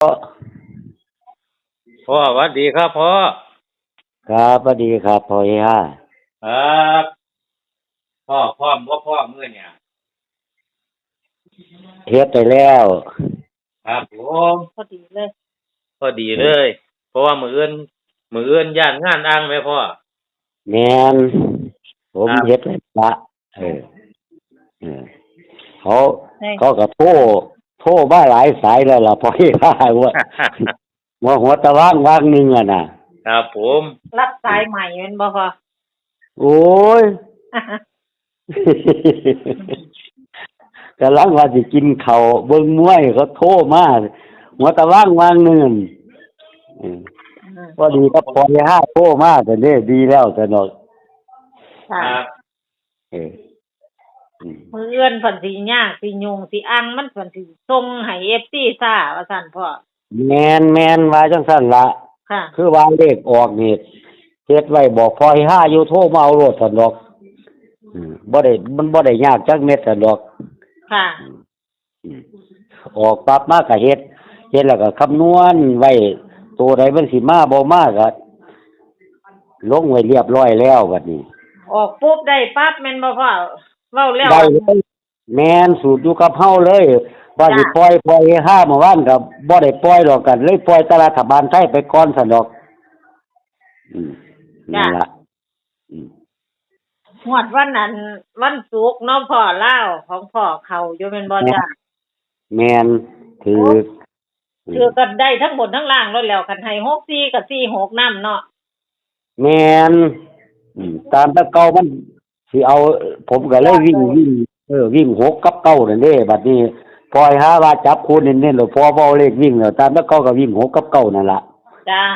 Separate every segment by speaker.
Speaker 1: พ่อสวัสดีครับพ่อ
Speaker 2: ครับสวัสดีครับพ่อเฮีย
Speaker 1: ครับพ่อพร้อมบ่พ่อมื้อเนี่ย
Speaker 2: เฮ็ดไปแล้ว
Speaker 1: ครับผม
Speaker 3: พอดีเลย
Speaker 1: พอดีเลย เพราะว่ามื้ออื่นย้านงานอ้างไหมพ่อ
Speaker 2: แม่นผม
Speaker 1: ครับ
Speaker 2: เฮ็ดแล้วละเออเออเขา
Speaker 3: ให้
Speaker 2: เขาก็โทรมาหลายสายแล้วล่ะพ่อเฮียว่าหัวตะว่างหนึงอ่ะน่ะ
Speaker 1: ครับผม
Speaker 3: รับสายใหม่แม่นบ่พอ
Speaker 2: โอ้ย กำลังว่าสิกินข้าวเบิ่งมวยเขาโทรมาหัวตะว่างหนึงอืมพอดีก็พ่อเฮียโทรมาแต่เด้ดีแล้วแต่เนาะ
Speaker 1: ค
Speaker 3: ค่ะ
Speaker 1: รับ
Speaker 2: เอออืม
Speaker 3: มื้ออื่นเพิ่นสิยากสิยุ่งสิอังมันเพิ่นสิส่งให้ FC ซ่าว่าซั่นพ่อ
Speaker 2: แม่นว่าจังซั่นล่ะ
Speaker 3: ค่ะ
Speaker 2: คือว่าเลขออกนี่เฮ็ดไว้บอกพอให้5อยู่โทรมาเอาโลดซั่นดอกบ่ได้มันบ่ได้ยากจักเม็ดซั่นดอก
Speaker 3: ค่ะ
Speaker 2: อืมออกปั๊บมาก็เฮ็ดแล้วก็คำนวณไว้ตัวใดมันสิมาบ่มาก็ลงไว้เรียบร้อยแล้วบัดนี้
Speaker 3: ออกปุ๊บได้ปั๊บแม่นบ่พ่อเว้าแล้ว
Speaker 2: ได้เลยแม่นสูตรอยู่กับเฮาเลยว่าสิปล่อยให้5เมื่อวานก็บ่ได้ปล่อยดอกกันเลยปล่อยแต่รัฐบาลไทยไปก่อนซั่นดอกอืมนั่นล่ะอืม
Speaker 3: งวดวันนั้นวันศุกร์เนาะพ่อลาวของพ่อเขาอยู่แม่นบ่จ้ะ
Speaker 2: แม่นถือ
Speaker 3: คือก็ได้ทั้งบนทั้งล่างแล้วคันให้64กับ46นำเนาะ
Speaker 2: แม่นตามแตะเก่ามันสิเอาผมก็เลยวิ่ง6กับเก้านั่นเด้บัดนี้พอให้หาว่าจับคู่เน้นๆแล้วพอบ่เอาเลขวิ่งแล้วตามแตะเก่าก็วิ่ง6กับเก้านั่นล่ะ
Speaker 3: จ้า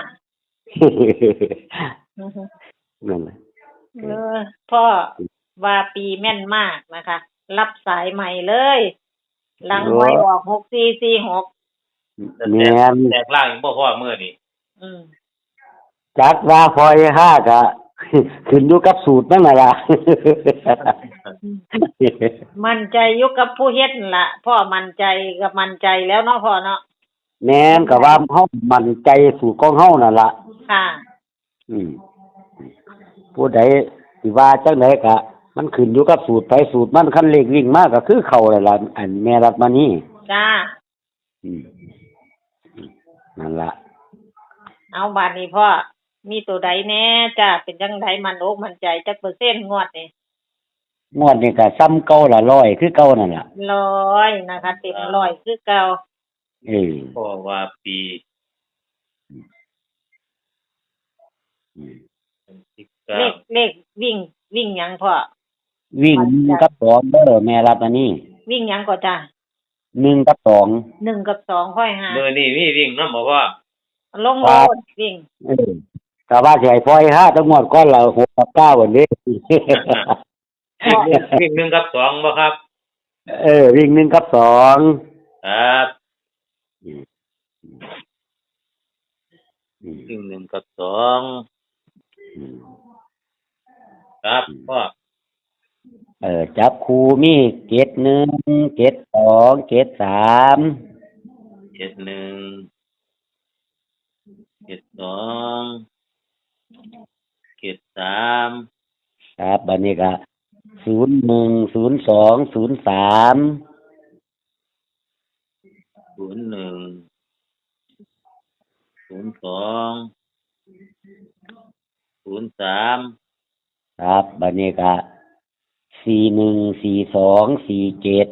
Speaker 2: นั่นแหละ
Speaker 3: พ่อว่าปีแม่นมากนะคะ รับสายใหม่เลยหลังหวยออก6446
Speaker 2: แม่น
Speaker 1: แตกล่างอีกบ่พ่อมื้อนี้
Speaker 3: อืม
Speaker 2: จักว่าพอให้หาก็ขึ้นอยู่กับสูตรนั่นน่ะล่ะ
Speaker 3: มั่นใจอยู่กับผู้เฮ็ดนั่นล่ะพ่อมั่นใจกับมั่นใจแล้วเนาะพ่อเนาะ
Speaker 2: แม่นก็ว่าเฮามั่นใจสูตรของเฮานั่นล่ะ
Speaker 3: ค่ะ
Speaker 2: อืมผู้ใดสิว่าจังไดก็มันขึ้นอยู่กับสูตรไปสูตรมันคันเลขวิ่งมาก็คือเข้าแล้วล่ะอันแม่รัฐมานี่
Speaker 3: จ้า
Speaker 2: อืมนั่นล่ะ
Speaker 3: เอาบาดนี้พ่อมีตัวใดแน่จ้าเป็นจังไดมันอกมั่นใจจักเปอร์เซ็นต์งวดนี่
Speaker 2: งวดนี้ก็ซ้ำเก่าละ100คือเก่านั่นล่ะ
Speaker 3: 100นะคะเต็ม100คือเก่า
Speaker 2: เออ
Speaker 1: พ่อว่าปี
Speaker 2: อืม
Speaker 3: เลขวิ่งหยังพ่อ
Speaker 2: วิ่ง1กับ2เด้อแม่รัฐมานี่
Speaker 3: วิ่งหยังก็จ้า
Speaker 2: 1กับ2
Speaker 3: 1กับ2ค่อยหา
Speaker 1: มื้อนี้มีวิ่งนำบ่พ่อ
Speaker 3: ลงโลดวิ่ง
Speaker 2: เออก็ว่าสิให้ปล่อย5ทั้งหมดก่อนละ6กับ9อันนี้
Speaker 1: วิ่ง1กับ2บ่ครับ
Speaker 2: วิ่ง1กับ2
Speaker 1: ครับ
Speaker 2: อืมอืม
Speaker 1: วิ่ง1กับ2
Speaker 2: อืม
Speaker 1: ครับพ่อ
Speaker 2: จับคู่มี71 72 73
Speaker 1: 71 72 73
Speaker 2: ครับบัดนี้ก็01 02 03
Speaker 1: 01 02 03
Speaker 2: ครับบัดนี้ก็41 42 47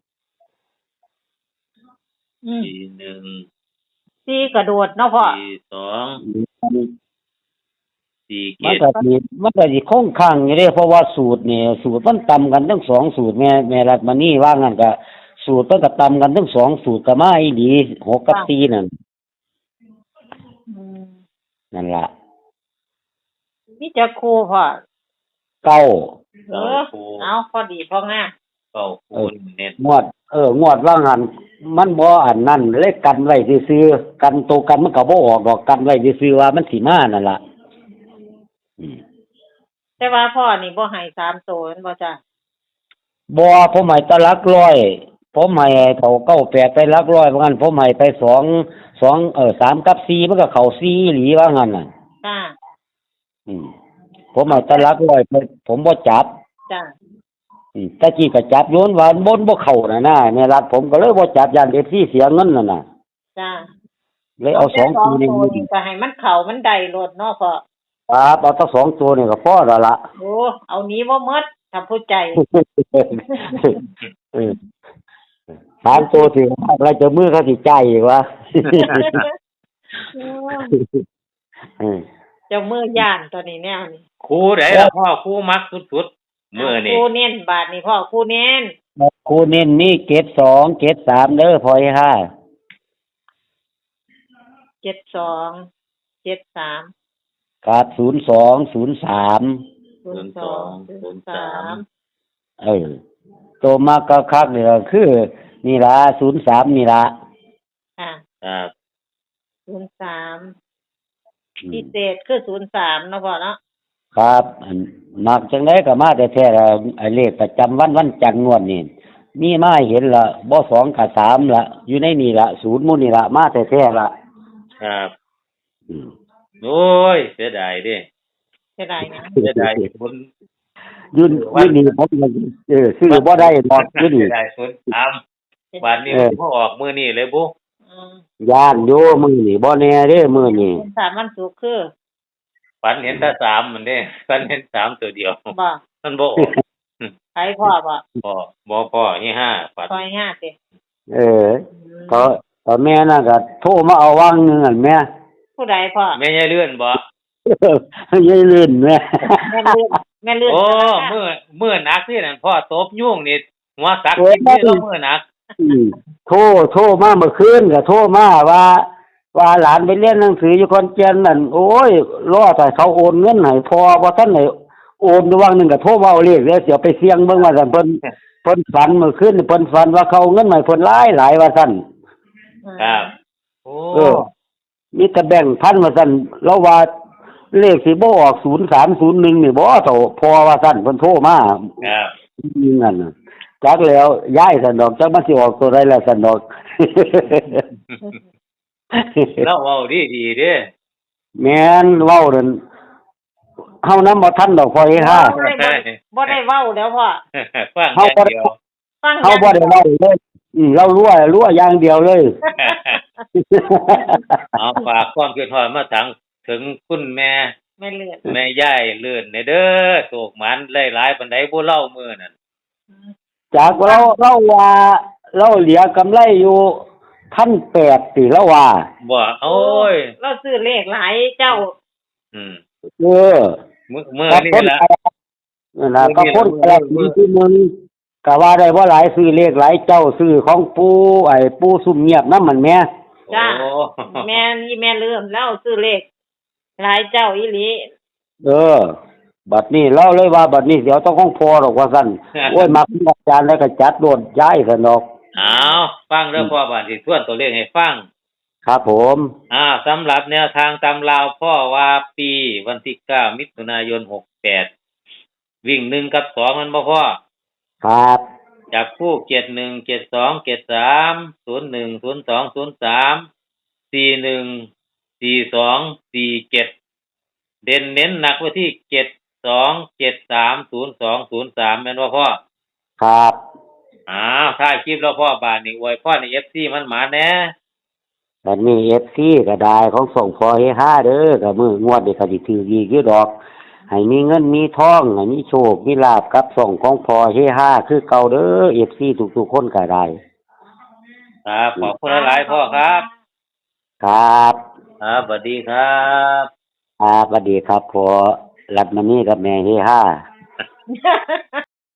Speaker 1: 41
Speaker 3: 4กระโดดเนาะพ่อ
Speaker 1: 42
Speaker 2: มันก็
Speaker 1: 47
Speaker 2: สิคงค้างอยู่เด้เพราะว่าสูตรนี่สูตรมันต่ำกันทั้ง2สูตรแม่รัฐมานี่ว่างั้นก็สูตรมันก็ต่ำกันทั้ง2สูตรก็มาอีหลี6กับ4นั่น
Speaker 3: อืม
Speaker 2: นั่นล่ะ
Speaker 3: มีจักคู่พ่อ
Speaker 2: เก้า
Speaker 3: เอาพอดีพองาม
Speaker 1: เข้าคูณเน็ต
Speaker 2: งวดว่างั้นมันบ่อันนั้นเลยกันไว้ซื่อๆกันตัวกันมันก็บ่ออกดอกกันไว้ซื่อๆว่ามันสิมานั่นล่ะอืม
Speaker 3: แต่ว่าพ่อนี่บ่ให้3ตัวแม่นบ่จ้า
Speaker 2: บ่ผมหมายตะลักร้อยผมให้เขา98ไปหลักร้อยว่างั้นผมให้ไป3กับ4มันก็เข้า4อีหลีว่างั้นน่ะ
Speaker 3: ค่ะ
Speaker 2: อืมผมให้แต่หลักร้อยไปผมบ่จับ
Speaker 3: จ้ะ
Speaker 2: ตะกี้ก็จับโยนว่าบนบ่เข้าน่ะนะในรัฐผมก็เลยบ่จับย่าน FC เสียเงินน่ะน่ะ
Speaker 3: จ้ะ
Speaker 2: เลยเอา
Speaker 3: แต่
Speaker 2: 2ตัวนี้
Speaker 3: ตัวนี้ก็ให้มันเข้ามันได้โลดเนาะพ่อ
Speaker 2: ครับเอาทั้ง2ตัวนี่ก็พอแล้วล่ะ
Speaker 3: โอ้เอานี้บ่หมดถ้าผู้ใจ
Speaker 2: เออ3ตัวถึงอะไรจะมือเขาสิจ่ายอีกวะ เออ
Speaker 3: เจ้ามือย่านตัวนี้แนวนี้
Speaker 1: ครูไหนล่ะพ่อครูมักสุดๆมื้อนี้
Speaker 3: ครูเน้นบาทนี่พ่อครูเน้น
Speaker 2: ครูเน้นนี่เกรด2เกรด3เด้อพอให้5
Speaker 3: 72 73
Speaker 2: ครับ02 03
Speaker 3: 02 03
Speaker 2: ตัวมากคักๆนี่ก็คือนี่ล่ะ03นี่ล่ะ
Speaker 3: ค่ะ
Speaker 1: ครับ
Speaker 3: 03พิเศษคือ03เนาะพ่อเนาะ
Speaker 2: ครับอันมักจังได๋ก็มาแต่แท้ๆล่ะไอ้เลขประจำวันจันทร์งวดนี่มีมาให้เห็นละบ่2ก็3ละอยู่ในนี่ละ0หมู่นี่ละมาแต่แท้ๆละ
Speaker 1: ครับ
Speaker 2: อืม
Speaker 1: โอ้ยเสียดายเด้
Speaker 3: เสียดายนะ
Speaker 1: เสียดายคน
Speaker 2: ยืนนี่ผมก็ซื้อบ่ได้ดอกอยู่
Speaker 1: เสี
Speaker 2: นี่
Speaker 1: ยดายคนถามวันนี้บ่ออกมื้อนี้เลยบุ
Speaker 3: อืม
Speaker 2: ย่านอยู่มื้อนี้บ่แน่เด้มื้อนี้
Speaker 3: วันวันศุกร์คือ
Speaker 1: ฝันเห็นแต่3มันเด้ฝันเห็น3ตัวเดียว
Speaker 3: บ่
Speaker 1: มันบ่ออก
Speaker 3: ใครพ่อบ่
Speaker 1: พ่อนี่5ฝัน
Speaker 3: ซอย5ติ
Speaker 2: เออก็แม่น่ะก็โทรมาเอาวางหนึงอั่นแม่
Speaker 3: ผู้ใดพ่อ
Speaker 1: แม่ยายเลื่อนบ่
Speaker 2: ยายลื่นแม่
Speaker 3: แม่เลื่อนแม่เลื่อน
Speaker 1: โอ้มื้อหนักนี่นั่นพ่อตบยุ่งนี่หัวสักที่เรามื้อหนัก
Speaker 2: โทรมาเมื่อคืนก็โทรมาว่าหลานไปเรียนหนังสืออยู่ขอนแก่นนั่นโอ้ยรอแต่เขาโอนเงินให้พอบ่ทันได้โอนอยู่วังหนึงก็โทรมาเอาเลขเดี๋ยวสิเอาไปเสี่ยงเบิ่งว่าซั่นเพิ่นฝันเมื่อคืนนี่เพิ่นฝันว่าเขาเอาเงินมาให้เพิ่นหลายว่าซั่น
Speaker 1: ครับโอ้
Speaker 2: มีแต่แบ่งค์พันว่าซั่นเราว่าเลขสิบ่ออก0301นี่บ่เท่าพอว่าซั่นเพิ่นโทรมา
Speaker 1: ครับ
Speaker 2: นั่นน่ะจักแล้วย้ายซั่นดอกจักมันสิออกตัวใดแล้วซั่นดอก
Speaker 1: เราเว้าดีๆเด้
Speaker 2: แม่นเว้านั่นเฮานำบ่ทันดอกพอเฮฮา
Speaker 3: บ่ได้เว้าแล้วพ่อ
Speaker 1: ฟังอย่างเดียว
Speaker 3: ฟัง
Speaker 2: เฮาบ่ได้เว้าเลยเรารั่วอย่างเดียวเลย
Speaker 1: เอาฝากความคิดฮอดมาถึงคุณแม่
Speaker 3: แม่เลื่อน
Speaker 1: แม่ยายเลื่อนเด้อโศกหมันหลายๆปานใดบ่เล่ามื้อนั่น
Speaker 2: จากเราว่าเราเหลือกำไรอยู่1,800ติเราว่า
Speaker 1: บ่โอ้ย
Speaker 3: เราซื้อเลขหลายเจ้า
Speaker 1: อืม
Speaker 2: เออ
Speaker 1: มื้อนี่ล่ะ
Speaker 2: นั่นล่ะก็คนแต่มีที่มึงก็ว่าได้บ่หลายซื้อเลขหลายเจ้าซื้อของปู่ซุ่มเงียบนำมันแม่
Speaker 3: จ้า
Speaker 1: โอ้
Speaker 3: แม่นี่แม่เลื่อนแล้วซื้อเลขหลายเจ้าอีหลี
Speaker 2: บัดนี้เราเลยว่าบัดนี้เดี๋ยวต้องของพอหรอกว่าซั่นโอ้ยมักอาจารย์แล้วก็จัดโดดย้ายซั่นดอก
Speaker 1: เอาฟังเด้อพ่อบาดสิทวนตัวเลขให้ฟัง
Speaker 2: ครับผม
Speaker 1: สำหรับแนวทางตำราวพ่อว่าปีวันที่9มิถุนายน68วิ่ง1กับ2มันบ่พ่อ
Speaker 2: ครับ
Speaker 1: จับคู่71 72 73 01 02 03 41 42 47เด่นเน้นหนักไว้ที่72 73 02 03แม่นบ่พ่อ
Speaker 2: ครับ
Speaker 1: ถ้าคลิปแล้วพ่อบาดนี้อวยพรให้ FC มันหมาแหน่
Speaker 2: บัดนี้ FC ก็ได้ของส่งพอเฮฮาเด้อก็มื้องวดนี้ก็สิถืออีกอยู่ดอกให้มีเงินมีทองให้มีโชคมีลาภกับส่งของพอเฮฮาคือเก่าเด้อ FC ทุกๆคนก็ได้
Speaker 1: ครับขอบคุณหลายๆพ่อครับ
Speaker 2: ครับ
Speaker 1: ครับสวัสดีครับ
Speaker 2: สวัสดีครับพอรัดมานี่กับแม่เฮฮา